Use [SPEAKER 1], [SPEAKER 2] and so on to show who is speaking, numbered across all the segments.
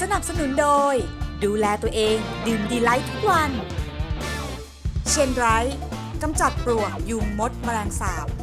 [SPEAKER 1] นับสนุนโดยดูแลตัวเองดื่มดีไลท์ทุกวันเชนไรท์กำจัดปลวกยุงมดแมลงสาบ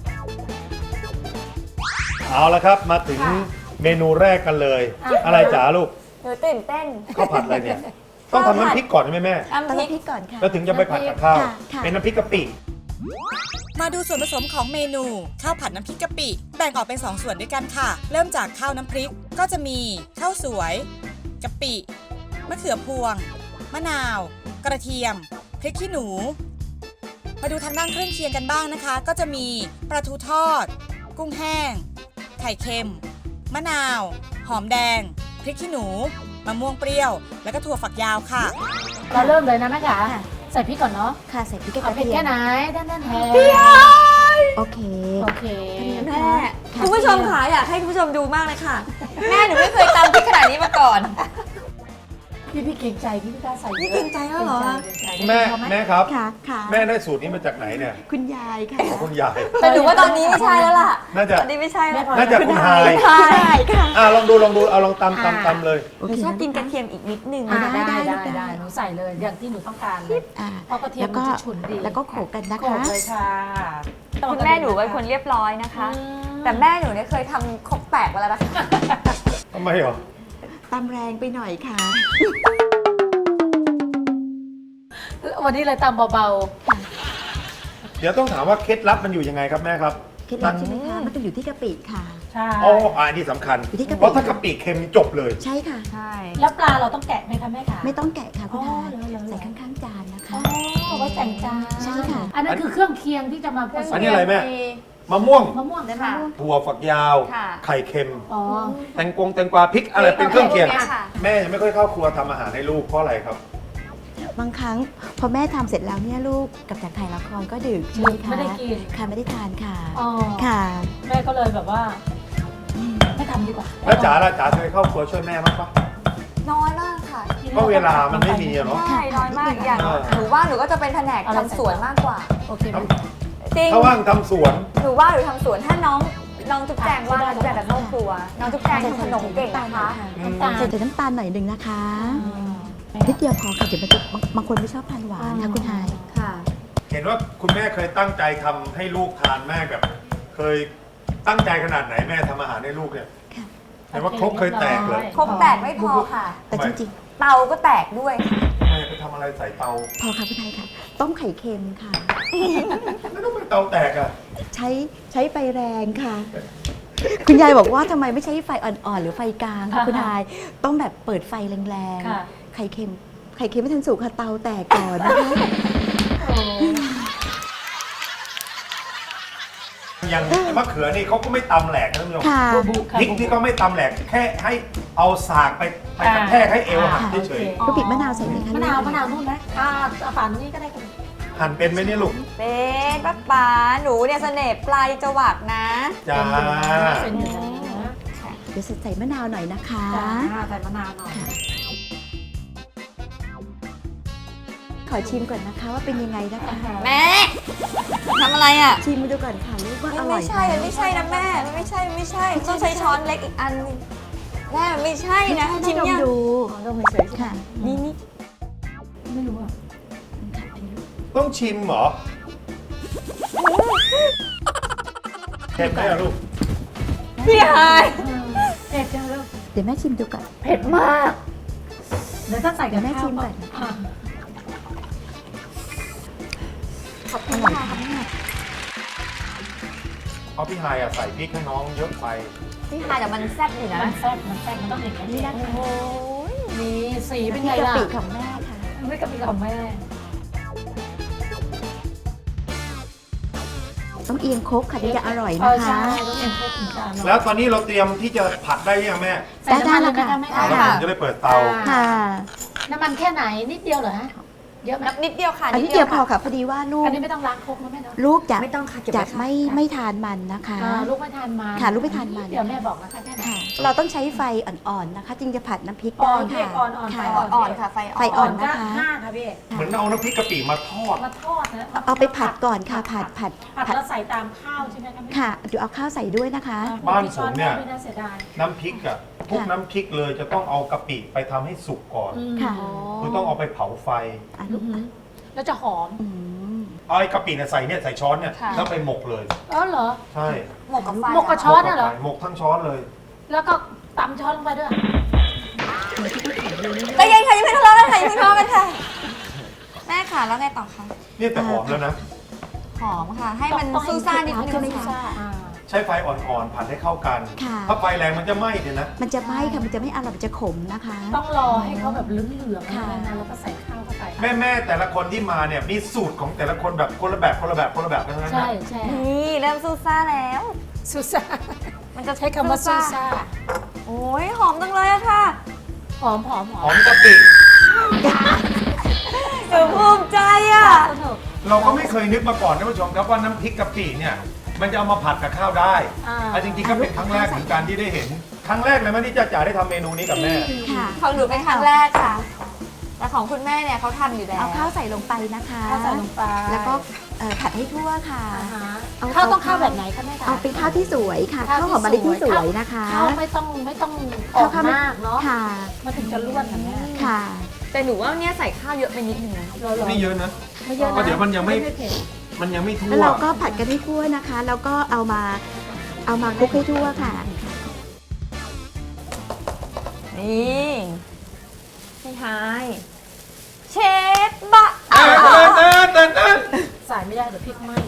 [SPEAKER 2] เอาละครับมาถึงเมนูแรกกันเลย อะไรจ๋าลูก
[SPEAKER 3] หนูตื่นเต้น
[SPEAKER 2] ข้าวผัดอะไรเนี่ย ต้องทำน้ำพริกก่อนใช่ไหมแม่
[SPEAKER 3] น้ำ
[SPEAKER 4] ต้อง
[SPEAKER 3] พริก
[SPEAKER 4] พริกก่อนค่ะ
[SPEAKER 2] แล้วถึงจะไปผัดกับข้าว
[SPEAKER 4] ค่ะ
[SPEAKER 2] เป็นน้ำพริกกะปิ
[SPEAKER 1] มาดูส่วนผสมของเมนูข้าวผัดน้ำพริกกะปิแบ่งออกเป็น2ส่วนด้วยกันค่ะเริ่มจากข้าวน้ำพริกก็จะมีข้าวสวยกะปิมะเขือพวงมะนาว กระเทียมพริกขี้หนูมาดูทางด้านเครื่องเคียงกันบ้างนะคะ ก็จะมีปลาทูทอด กุ้งแห้ง ไข่เค็ม มะนาว หอมแดง พริกขี้หนูมะม่วงเปรี้ยว แล้วก็ถั่วฝักยาวค่ะ
[SPEAKER 5] เราเริ่มเลยนะแม่จ๋าใส่พริกก่อนเนาะ
[SPEAKER 4] ค่ะใส่พริกกับก
[SPEAKER 5] เอา
[SPEAKER 4] ระ
[SPEAKER 5] เผ็ด
[SPEAKER 4] เทีย
[SPEAKER 5] แค่
[SPEAKER 4] ม
[SPEAKER 5] ไหนด้านแทน
[SPEAKER 4] โอเค
[SPEAKER 5] โอเค
[SPEAKER 3] แม่คุณผู้ชมค่ะอยากให้คุณผู้ชมดูมากเลยค่ะ แม่หนูไม่เคยตำพริกขนาดนี้มาก่อน
[SPEAKER 5] พี่เกรงใจพี่ไม่กล้าใส่
[SPEAKER 3] พี่เกรงใจแล้วเหรอ
[SPEAKER 2] แม่ครับ
[SPEAKER 4] ค่ะค่ะ
[SPEAKER 2] แม่ได้สูตรนี้มาจากไหนเนี่ย
[SPEAKER 4] คุณยายค่ะ
[SPEAKER 2] ของคุณยาย
[SPEAKER 3] แต่หนูว่าตอนนี้ไม่ใช่แล้วล่ะ
[SPEAKER 2] น่าจะ
[SPEAKER 3] ตอนนี้ไม่ใช่แล้ว
[SPEAKER 2] น่าจะคุณไฮาย
[SPEAKER 4] ใช่ค่ะ
[SPEAKER 2] ลองดูเอาลองตำเลย
[SPEAKER 4] โอ
[SPEAKER 3] หนู
[SPEAKER 4] เค
[SPEAKER 3] ชอบกินกระเทียมอีกนิดนึง
[SPEAKER 5] อ่า
[SPEAKER 3] นะ
[SPEAKER 5] ได้
[SPEAKER 4] ได้
[SPEAKER 5] ได้หนูใส่เลยอย่างที่หนูต้องการเลย
[SPEAKER 4] อ่า
[SPEAKER 5] เพราะกระเทียม
[SPEAKER 4] แล้วก็
[SPEAKER 5] มันจะฉุนดี
[SPEAKER 4] แล้วก็โขลกกันนะ
[SPEAKER 5] โขล
[SPEAKER 4] คะ
[SPEAKER 5] กเลยค่ะ
[SPEAKER 3] คุณแม่หนูเป็นคนเรียบร้อยนะคะ แต่แม่หนูเนี่ยเคยทำครกแตกมาแล้วนะคะ
[SPEAKER 2] ทำไมเหรอ
[SPEAKER 4] ตำแรงไปหน่อยค่ะ
[SPEAKER 5] วันนี้เลยตำเบา
[SPEAKER 2] เดี๋ยวต้องถามว่าเคล็ดลับมันอยู่ยังไงครับแม่ครับ
[SPEAKER 4] เคล็ดลับใช่ไหมคะมันต้องอยู่ที่กะปิค่ะ
[SPEAKER 5] ๆใช่
[SPEAKER 2] อ๋ออันนี้สำคัญ
[SPEAKER 4] อยู่ที่กะปิ
[SPEAKER 2] เพราะถ้ากะปิเค็มจบเลย
[SPEAKER 4] ใช่ค่ะ
[SPEAKER 3] ใช่
[SPEAKER 5] แล้วปลาเราต้องแกะไหมคะแม่คะ
[SPEAKER 4] ไม่ต้องแกะค่ะคุณ
[SPEAKER 5] อ๋อ
[SPEAKER 4] ทาย
[SPEAKER 5] เหรอ
[SPEAKER 4] ใส่ข้างๆจานนะคะ
[SPEAKER 5] อ๋อไว้แต่งจาน
[SPEAKER 4] ใช่ค่ะ
[SPEAKER 5] อันนั้นคือเครื่องเคียงที่จะมาผสม
[SPEAKER 2] อันนี้อะไรแม่ มะม่วง
[SPEAKER 5] มะม่วง
[SPEAKER 3] ค่ะ
[SPEAKER 2] ถั่วฝักยาว
[SPEAKER 3] ค่ะ
[SPEAKER 2] ไข่เค็ม
[SPEAKER 5] อ๋อ
[SPEAKER 2] แตงกวาพริกอะไรเป็นเครื่องเคียง
[SPEAKER 3] ค่ะ
[SPEAKER 2] แม่ยังไม่ค่อยเข้าครัวทำอาหารให้ลูกเพราะอะไรครับ
[SPEAKER 4] บางครั้งพอแม่ทำเสร็จแล้วเนี่ยลูกกลับจากถ่ายละครก็ดึกใช่ไหมคะ
[SPEAKER 5] ไม่ได้กิน
[SPEAKER 4] ค่ะไม่ได้ทานค่ะ
[SPEAKER 5] อ๋อ
[SPEAKER 4] ค่ะ
[SPEAKER 5] แม่ก็เลยแบบว่าไม่ทำดีกว่า
[SPEAKER 2] แล้วจ๋าล่ะจ๋าเคยเข้าครัวช่วยแม่บ้างปะ
[SPEAKER 3] น้อยมากค่ะ
[SPEAKER 2] ก็เวลามันไม่มีอะเนาะ
[SPEAKER 3] ใช่น้อยมากอย่างหนูว่าหนูก็จะเป็นแผนกทำสวนมากกว่า
[SPEAKER 5] โอเคไหม
[SPEAKER 3] จริง
[SPEAKER 2] ถ้าว่างทำสวน
[SPEAKER 3] หนูว่าหนูทำสวนถ้าน้องจุ๊บแจงว่าน้องจุ๊บแจงจะเข้าครัว น้องจุ๊บแจงทำขนมเก่งนะคะ
[SPEAKER 5] น้ำตาล
[SPEAKER 4] ใส่น้ำตาลหน่อยหนึ่งนะคะนิดเดียวพอค่ะเดี๋ยวมันจะบางคนไม่ชอบทานหวานค่ะคุณทาย
[SPEAKER 3] ค่ะ
[SPEAKER 2] เห็นว่าคุณแม่เคยตั้งใจทำให้ลูกทานแม่แบบ เคยตั้งใจขนาดไหนแม่ทำอาหารให้ลูกเนี่ย
[SPEAKER 4] ค่ะ
[SPEAKER 2] เห็นว่าครกเคยแตกเลย
[SPEAKER 3] ครบแตกไม่พอค่ะ
[SPEAKER 4] แต่จริง
[SPEAKER 3] เตาก็แตกด้วย
[SPEAKER 2] แม่ไปทำอะไรใส่เตา
[SPEAKER 4] ๆ พอค่ะคุณทายค่ะ ต้มไข่เค็มค่ะ
[SPEAKER 2] ไม่ต้องเป็นเตาแตกอ่ะ
[SPEAKER 4] ใช้ไฟแรงค่ะ คุณยายบอกว่าทำไมไม่ใช้ไฟอ่อนๆหรือไฟกลางค่ะคุณทาย ต้องแบบเปิดไฟแรง
[SPEAKER 5] ค่ะ
[SPEAKER 4] ๆ ไข่เค็มไม่ทันสุกค่ะเตาแตกก่อนนะคะ
[SPEAKER 2] อย่างมะเขือนี่เขาก็ไม่ตำแหลกนะท่านผู้ชม
[SPEAKER 4] ค่ะ
[SPEAKER 5] บุค่ะ
[SPEAKER 2] พริกนี่ก็ไม่ตำแหลกแค่ให้เอาสากไปกระแทกให้เอวหักเฉย
[SPEAKER 4] ลูกปิดมะนาวใส่ไหมคะ
[SPEAKER 5] มะนาวนู่นไหมเอาฝานนี้ก็ได้ค่ะ
[SPEAKER 2] ๆหั่นเป็นไหมเนี่ยลูก
[SPEAKER 3] เป็นป้าป๋าหนูเนี่ยเสน่ห์ปลายจวักนะ
[SPEAKER 2] จ้า
[SPEAKER 5] เป็นอยู่นะ
[SPEAKER 4] เดี๋ยวใส่มะนาวหน่อยนะคะ
[SPEAKER 5] ใส่มะนาวหน่อย
[SPEAKER 4] ขอชิมก่อนนะคะว่าเป็นยังไงนะคะ
[SPEAKER 3] แม่ทำอะไรอ่ะ
[SPEAKER 4] ชิมมาดูก่อนค่ะลูกว่าอ
[SPEAKER 3] มัน
[SPEAKER 4] ร่อ
[SPEAKER 3] ไม่
[SPEAKER 4] ย
[SPEAKER 3] ใช่ มันไม่ใช่นะแม่ มันไม่ใช่ต้องใช้ช้อนเล็กอีกอันนึงแม่มันไม่ใช่นะ
[SPEAKER 4] ชิ
[SPEAKER 3] ชิ
[SPEAKER 4] ม
[SPEAKER 3] มยัง
[SPEAKER 4] ดู
[SPEAKER 5] อ๋อต้องเฉยๆ
[SPEAKER 4] ค่ะ
[SPEAKER 3] นี่
[SPEAKER 5] ไม่รู้อ่ะ
[SPEAKER 2] ต้องชิมเหรอเผ็ดไหมอะลูก
[SPEAKER 3] พี่ฮาย
[SPEAKER 5] เผ็ดจังเลย
[SPEAKER 4] เดี๋ยวแม่ชิมดูก่อน
[SPEAKER 3] เผ็ดมาก
[SPEAKER 5] เดี๋ยวถ้าใส่กับ
[SPEAKER 4] เดี๋ยวแม่
[SPEAKER 5] ข้าว
[SPEAKER 4] ชิมก่อน
[SPEAKER 5] อ่ะ
[SPEAKER 3] ขอบคุณ
[SPEAKER 4] อร่อย
[SPEAKER 3] ค่ะ
[SPEAKER 4] มาก
[SPEAKER 2] เพราะพี่ไฮายอะใส่พริกให้น้องเยอะไป
[SPEAKER 3] พี่ฮายแต่มันแซ่บอยู่นะ
[SPEAKER 5] มันแซ่บมันต้องอย่างนี้นะ
[SPEAKER 3] โอ้ย
[SPEAKER 5] นี่สีเป็น
[SPEAKER 4] นี่
[SPEAKER 5] ไง
[SPEAKER 4] กะ
[SPEAKER 5] ล่ะ
[SPEAKER 4] ปิของแม่ค่ะ
[SPEAKER 5] ไม่กะปิของแม่
[SPEAKER 4] ต้องเอียงครกค่ะถึงจะอร่อย
[SPEAKER 5] เอ
[SPEAKER 4] นะ
[SPEAKER 5] อใช่
[SPEAKER 4] คะ
[SPEAKER 5] ต้องเอ็นพวกถึงจาน
[SPEAKER 2] แล้วตอนนี้เราเตรียมที่จะผัดได้ยังแม่
[SPEAKER 5] ใส่น้ำมันเลยไหมคะแม่
[SPEAKER 2] แล้วผมจะได้เปิดเตา
[SPEAKER 4] ค่ะ
[SPEAKER 5] น้ำมันแค่ไหนนิดเดียวเหรอฮะเยอะไหม
[SPEAKER 3] นิดเดียวค่ะ
[SPEAKER 4] อันนี้เดียวพอค่ะพอดีว่าลู
[SPEAKER 5] อั
[SPEAKER 4] ก
[SPEAKER 5] นนี้ไม่ต้องล้างครกนะแม่เนาะ
[SPEAKER 4] ลูกจะ
[SPEAKER 3] ไม่ต้องค่ะเก็บ
[SPEAKER 4] จะ
[SPEAKER 3] ไว้ค่ะ
[SPEAKER 4] ไม่ทานมันนะคะ
[SPEAKER 5] ลูกไม่ทานมัน
[SPEAKER 4] ค่ะลูกไม่ทานมัน
[SPEAKER 5] เดี๋ยวแม่บอกนะคะแค่ไหน
[SPEAKER 4] ค่ะ เราต้องใช้ไฟอ่อนๆนะคะ จึงจะผัดน้ำพริก
[SPEAKER 5] อ่
[SPEAKER 4] ได้
[SPEAKER 5] อน
[SPEAKER 4] ค่ะ
[SPEAKER 5] อ่อนๆไฟ
[SPEAKER 4] ค่ะ
[SPEAKER 3] อ่อนค่ะไฟ
[SPEAKER 4] ไฟอ่
[SPEAKER 3] อ่
[SPEAKER 4] อ
[SPEAKER 3] อน น
[SPEAKER 5] ก็5ค่ะพี่
[SPEAKER 2] เหมือนเอาน้ำพริกกะปิมาทอด
[SPEAKER 5] มาทอดนะ
[SPEAKER 4] เอาไปผัดก่อนค่ะผัด
[SPEAKER 5] ผัดแล้วใส่ตามข้าวใช่ไหมคะแม่
[SPEAKER 4] ค่ะเดี๋ยวเอาข้าวใส่ด้วยนะคะ
[SPEAKER 2] บ้านผมเนี่ย
[SPEAKER 5] ไม่น่าเสียดาย
[SPEAKER 2] น้ำพริกอะทุกน้ำพริกเลยจะต้องเอากะปิไปทำให้สุกก่อน
[SPEAKER 4] ค่ะ
[SPEAKER 2] คือต้องเอาไปเผาไฟ
[SPEAKER 4] อ่ะลูก
[SPEAKER 5] แล้วจะหอม
[SPEAKER 4] อืม
[SPEAKER 2] เอาไอ้กะปิเนี่ยใส่ช้อนเนี่ย
[SPEAKER 3] ค่ะ
[SPEAKER 2] แล้วไปหมกเลย
[SPEAKER 5] เออเหรอ
[SPEAKER 2] ใช่
[SPEAKER 3] หมกกับไฟ
[SPEAKER 5] หมกกับช้อนน่ะเหรอ
[SPEAKER 2] หมกทั้งช้อนเลย
[SPEAKER 5] แล้วก็ตำช้อนลงไปด้วย
[SPEAKER 3] แต่ยังค่ะยังไม่ทะเลาะกันค่ะยังไม่ทะเลาะกันค่ะ แม่ค่ะแล้วไงต่อคะ
[SPEAKER 2] นี่แต่หอมแล้วนะ
[SPEAKER 3] หอมค่ะ ให้มัน
[SPEAKER 5] ต้องให้
[SPEAKER 3] ซูซ่านิดนึ
[SPEAKER 4] ใช่ไหม
[SPEAKER 3] ง
[SPEAKER 4] คะ
[SPEAKER 3] ค่ะ
[SPEAKER 2] ใช้ไฟอ่อนๆผัดให้เข้ากัน
[SPEAKER 4] ค่ะ
[SPEAKER 2] ถ้าไฟแรงมันจะไหม้เนี่ยนะ
[SPEAKER 4] มันจะไหม้ค่ะ มันจะไม่อร่อยมันจะขมนะคะ
[SPEAKER 5] ต้องรอให้เขาแบบเหลืองๆ
[SPEAKER 4] ค่ะ
[SPEAKER 5] นะแล้วก็ใส่ข้าวเข้าไป
[SPEAKER 2] แม่แต่ละคนที่มาเนี่ยมีสูตรของแต่ละคนแบบคนละแบบทั้งนั้น
[SPEAKER 5] ใช่
[SPEAKER 2] นะ
[SPEAKER 5] ใช่
[SPEAKER 3] นี่เริ่มซูซ่าแล้ว
[SPEAKER 5] ซูซ่า
[SPEAKER 3] มันจะ
[SPEAKER 5] ใช้คำว่าซูซ่า
[SPEAKER 3] โอ้ยหอมจังเลยอะค่ะ
[SPEAKER 5] หอมหอมห
[SPEAKER 2] ห
[SPEAKER 5] อ
[SPEAKER 2] อ
[SPEAKER 5] ม
[SPEAKER 2] มกะปิ
[SPEAKER 3] หนูภูมิใจอะ
[SPEAKER 5] สนุก
[SPEAKER 2] เราก็ไม่เคยนึกมาก่อนท่านผู้ชมครับว่าน้ำพริกกะปิเนี่ยมันจะเอามาผัดกับข้าวได้
[SPEAKER 5] อ่า
[SPEAKER 2] จริงๆก็เป็นครั้งแรกเหมือนกันที่ได้เห็น ครั้งแรกเลยไหมที่จ๋าได้ทำเมนูนี้กับแม่
[SPEAKER 4] ค่ะ
[SPEAKER 3] ของหนูเป็นครั้งแรกค่ะ แต่ของคุณแม่เนี่ยเขาทำอยู่แล้ว
[SPEAKER 4] เอาข้าวใส่ลงไปนะคะ
[SPEAKER 5] ข้าวใส่ลงไป
[SPEAKER 4] แล้วก็ผัดให้ทั่วค่ะ
[SPEAKER 5] อ่าฮะ
[SPEAKER 4] เอา
[SPEAKER 5] ข้าวต้องข้าวแบบไหนคะแม่คะ
[SPEAKER 4] เอาเป็นข้าวที่สวยค่ะ ข้าวหอมมะลิที่สวยนะคะ
[SPEAKER 5] ข้าวไม่ต้องออกมากเนาะ
[SPEAKER 4] ค่ะ
[SPEAKER 5] มันถึงจะร่วนค่ะแม่
[SPEAKER 4] ค่ะ
[SPEAKER 3] แต่หนูว่าเนี่ยใส่ข้าวเยอะไปนิดนึงนะ
[SPEAKER 2] ไม่เยอะนะ
[SPEAKER 5] ไม่เยอะ
[SPEAKER 2] เพราะ
[SPEAKER 5] นะ
[SPEAKER 2] เดี๋ยวมันยังไม่
[SPEAKER 5] เผ็ด
[SPEAKER 2] มันยังไม่ทั่
[SPEAKER 4] แล้ว
[SPEAKER 2] ว
[SPEAKER 4] เราก็ผัดกันให้ทั่วนะคะ แล้วก็เอามาคลุกให้ทั่วค่ะ
[SPEAKER 3] นี่พี่ไฮายเชฟบะ
[SPEAKER 2] เต้น
[SPEAKER 5] ใส่ไม่ได้เดี๋ยวพริกไหม้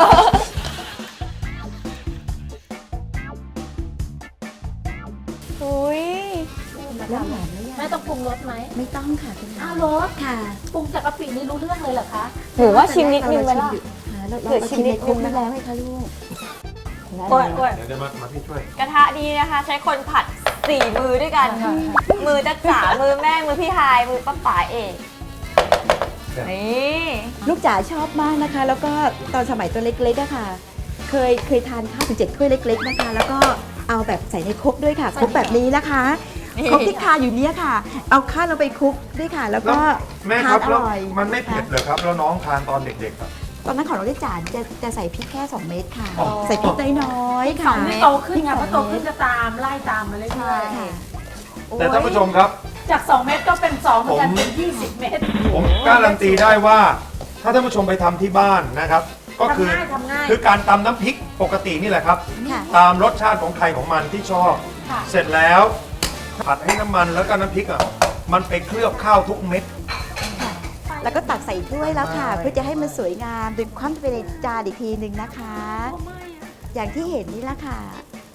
[SPEAKER 3] อุ้ย
[SPEAKER 4] แล้วหอมไหม
[SPEAKER 5] แม่ต้องปรุงรสไหม
[SPEAKER 4] ไม่ต้องค่ะคุณ
[SPEAKER 5] อ้า
[SPEAKER 4] แม่
[SPEAKER 5] วรส
[SPEAKER 4] ค่ะ
[SPEAKER 5] ปรุงจากกะปินี่รู้เรื่องเลยเหรอคะ
[SPEAKER 3] หนูว่าชิมนิดนึงไหมล่ะ
[SPEAKER 4] เราชิมในคลุกนี้แล้วไหมคะลูก
[SPEAKER 3] โอ้ยโอ้ย
[SPEAKER 2] เดี๋ยวมาพี่ช่วย
[SPEAKER 3] กระทะดีนะคะ ใช้คนผัด 4 มือด้วยกัน มือจ๊ะจ๋ามือแม่ มือพี่ไฮายมือป้าป๋าเอกนี่
[SPEAKER 4] ลูกจ๋าชอบมากนะคะ แล้วก็ตอนสมัยตัวเล็กๆอะค่ะ เคยทานข้าวถึง7 ถ้วยเล็ก ๆนะคะ แล้วก็เอาแบบใส่ในครกด้วยค่ะครกแบบนี้นะคะครกที่ทานอยู่เนี้ยค่ะ เอาข้าวลงไปคลุกด้วยค่ะ แล้วก็
[SPEAKER 2] แม่
[SPEAKER 4] ทา
[SPEAKER 2] ครั
[SPEAKER 4] น
[SPEAKER 2] บ
[SPEAKER 4] อ
[SPEAKER 2] แล้ว
[SPEAKER 4] ร่อย
[SPEAKER 2] มันไม่เผ็ดเหรอครับ แล้วน้องทานตอนเด็กๆอะ
[SPEAKER 4] ตอนนั้นของเราได้จานจะใส่พริกแค่ 2 เม็ดค่ะ
[SPEAKER 2] อ๋อ
[SPEAKER 4] ใส่พริกน้อยๆ
[SPEAKER 3] ส
[SPEAKER 4] ค่ะ
[SPEAKER 3] องเม็ด
[SPEAKER 5] โตขึ้นไงเพราะโตขึ้นจะตามไล่ตามมาเรื่อย
[SPEAKER 4] ค่ะ
[SPEAKER 2] แต่ท่านผู้ชมครับ
[SPEAKER 5] ๆจาก 2 เม็ดก็เป็น2เหมือนกันเป็น20 เม็ด
[SPEAKER 2] ผมการันตีได้ว่า ถ้าท่านผู้ชมไปทำที่บ้านนะครับ ก็คือ
[SPEAKER 5] ทำง่าย
[SPEAKER 2] คือการตำน้ำพริกปกตินี่แหละครับ
[SPEAKER 4] ค่ะ
[SPEAKER 2] ตามรสชาติของใครของมันที่ชอบ
[SPEAKER 5] ค่ะ
[SPEAKER 2] เสร็จแล้วผัดให้น้ำมันแล้วก็น้ำพริกอ่ะมันไปเคลือบข้าวทุกเม็ด
[SPEAKER 4] แล้วก็ตักใส่ถ้วยแล้วค่ะ เพื่อจะให้มันสวยงามดึงความไปในจานอีกทีหนึ่งนะคะ อย่างที่เห็นนี่แหละค่ะ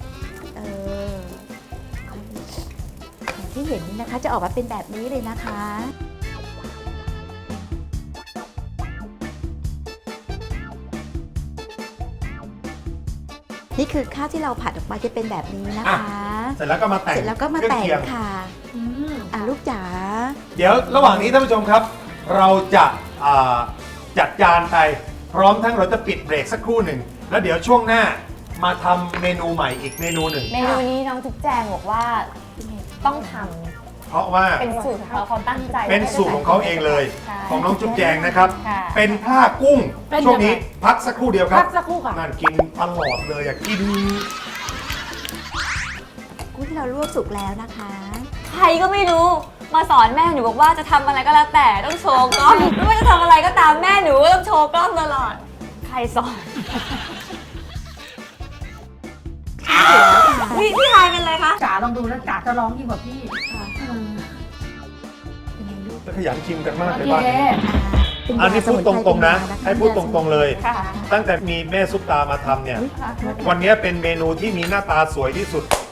[SPEAKER 4] อย่างที่เห็นนี่นะคะจะออกมาเป็นแบบนี้เลยนะคะ นี่คือข้าวที่เราผัดออกมาจะเป็นแบบนี้นะคะ
[SPEAKER 2] เสร็จแล้วก็มาแต่ง
[SPEAKER 4] เสร็จแล้วก็มา
[SPEAKER 2] เครื่
[SPEAKER 4] แต่
[SPEAKER 2] อง
[SPEAKER 4] ง
[SPEAKER 2] เคียง
[SPEAKER 4] ค่ะ
[SPEAKER 5] อืม
[SPEAKER 4] ลูกจ๋า
[SPEAKER 2] เดี๋ยวระหว่างนี้ท่านผู้ชมครับ เราจะจัดจานไปพร้อมทั้งเราจะปิดเบรกสักครู่หนึ่งแล้วเดี๋ยวช่วงหน้ามาทำเมนูใหม่อีกเมนูหนึ่ง
[SPEAKER 3] เมนูนี้น้องจุ๊บแจงบอกว่าต้องท
[SPEAKER 2] เพราะว่า
[SPEAKER 3] ำเป็นสูตรของเขาเขาตั้งใจ
[SPEAKER 2] เป็นสูตรของเขาเองเลย
[SPEAKER 3] ใช่
[SPEAKER 2] ของน้องจุ๊บแจงนะครับ
[SPEAKER 3] ค่ะ
[SPEAKER 2] เป็นผ้ากุ้ง ช่วงนี้พักสักครู่เดียวครั
[SPEAKER 5] พั
[SPEAKER 2] บ
[SPEAKER 5] กสักครู่ค่ะ
[SPEAKER 2] นั่นกินตลอดเลยอ่ะกิน
[SPEAKER 4] กุ้งที่เราลวกสุกแล้วนะคะ
[SPEAKER 3] ใครก็ไม่รู้มาสอนแม่หนูบอกว่าจะทำอะไรก็แล้วแต่ต้องโชว์กล้องไม่ว่าจะทำอะไรก็ตามแม่หนูก็ต้องโชว์กล้องตลอด ใครสอนพี่ไฮายเป็นไรคะ
[SPEAKER 5] จ๋าลองดูแล้วจ๋าจะร้องยิ่งกว่าพี่
[SPEAKER 2] แล้วขยันชิมกันมาก
[SPEAKER 5] โอ
[SPEAKER 2] เลย
[SPEAKER 5] เค
[SPEAKER 2] บ้านนี้อันนี้พูดตรงๆนะ ให้พูดตรงๆเลย
[SPEAKER 3] ค่ะ
[SPEAKER 2] ตั้งแต่มีแม่ซุปตามาทำเนี่ย วันนี้เป็นเมนูที่มีหน้าตาสวยที่สุด